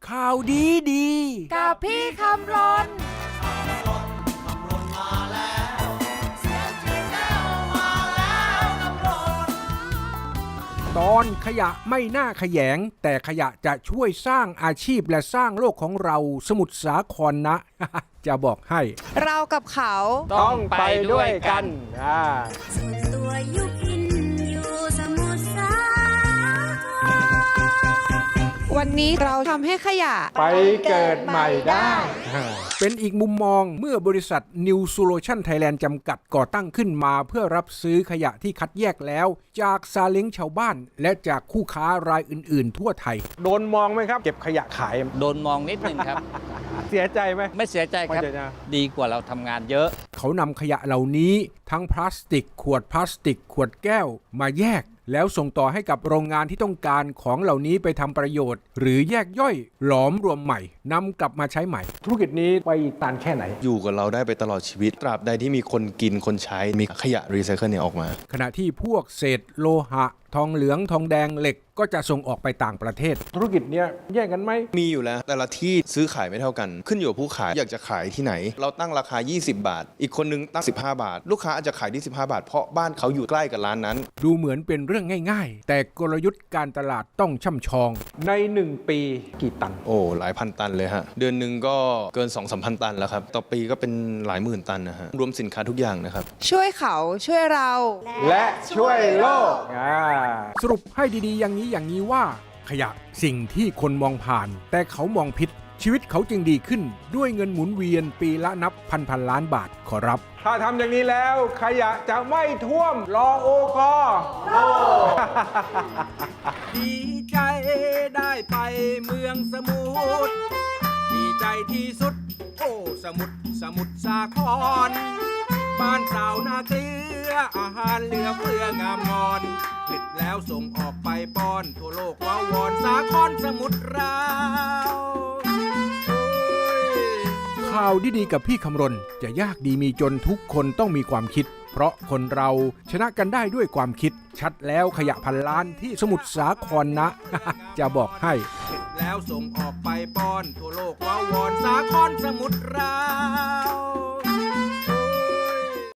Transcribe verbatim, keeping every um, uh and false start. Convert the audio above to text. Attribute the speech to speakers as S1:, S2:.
S1: ข่าวดีดี
S2: กับพี่คำรน
S1: ตอนขยะไม่น่าขยงแต่ขยะจะช่วยสร้างอาชีพและสร้างโลกของเราสมุทรสาครนะ จะบอกให้
S2: เรากับเขา
S1: ต้องไปด้วยกัน
S3: ส่วนตัวยุพินอยู่สมุทรสาคร
S2: วันนี้เราทำให้ขยะ
S1: ไปเกิดใหม่ได้เป็นอีกมุมมองเมื่อบริษัท New Solution Thailand จำกัดก่อตั้งขึ้นมาเพื่อรับซื้อขยะที่คัดแยกแล้วจากซาเล้งชาวบ้านและจากคู่ค้ารายอื่นๆทั่วไทยโดนมองไหมครับเก็บขยะขาย
S4: โดนมองนิดนึงครับ
S1: เสียใจไหม
S4: ไม่เสียใจครับดีกว่าเราทำงานเยอะ
S1: เขานำขยะเหล่านี้ทั้งพลาสติกขวดพลาสติกขวดแก้วมาแยกแล้วส่งต่อให้กับโรงงานที่ต้องการของเหล่านี้ไปทำประโยชน์หรือแยกย่อยหลอมรวมใหม่นำกลับมาใช้ใหม่ธุรกิจนี้ไปตานแค่ไหน
S5: อยู่กับเราได้ไปตลอดชีวิตตราบใดที่มีคนกินคนใช้มีขยะรีไซเคิลเนี่ยออกมา
S1: ขณะที่พวกเศษโลหะทองเหลืองทองแดงเหล็กก็จะส่งออกไปต่างประเทศธุรกิจเนี้ยแย่งกันไหม
S5: มีอยู่แล้วแต่ละที่ซื้อขายไม่เท่ากันขึ้นอยู่กับผู้ขายอยากจะขายที่ไหนเราตั้งราคายี่สิบบาทอีกคนนึงตั้งสิบห้าบาทลูกค้าอาจจะขายที่สิบห้าบาทเพราะบ้านเขาอยู่ใกล้กับร้านนั้น
S1: ดูเหมือนเป็นเรื่องง่ายๆแต่กลยุทธ์การตลาดต้องช่ำชองในหนึ่งปีกี่ตัน
S5: โอ้หลายพันตันเลยฮะเดือนหนึ่งก็เกิน สองถึงสามพัน ตันแล้วครับต่อปีก็เป็นหลายหมื่นตันนะฮะรวมสินค้าทุกอย่างนะครับ
S2: ช่วยเขาช่วยเรา
S1: และช่วยโลกสรุปให้ดีๆอย่างนี้อย่างนี้ว่าขยะสิ่งที่คนมองผ่านแต่เขามองผิดชีวิตเขาจึงดีขึ้นด้วยเงินหมุนเวียนปีละนับพันพันล้านบาทขอรับถ้าทำอย่างนี้แล้วขยะจะไม่ท่วมรอโอกอดีใจได้ไปเมืองสมุทรดีใจที่สุดโอ้สมุทรสมุทรสาครบ้านสาวนาเกลืออาหารเหลือเฟืองามงอนผลิตแล้วส่งออกไปป้อนทั่วโลกว้าวอนสาครสมุทรเราข่าวดีๆกับพี่คำรณจะยากดีมีจนทุกคนต้องมีความคิดเพราะคนเราชนะกันได้ด้วยความคิดชัดแล้วขยะพันล้านที่สมุทรสาครนะ จะบอกให้ผลิตแล้วส่งออกไปป้อนทั่วโลกว้าวอนสาครสมุทรเรา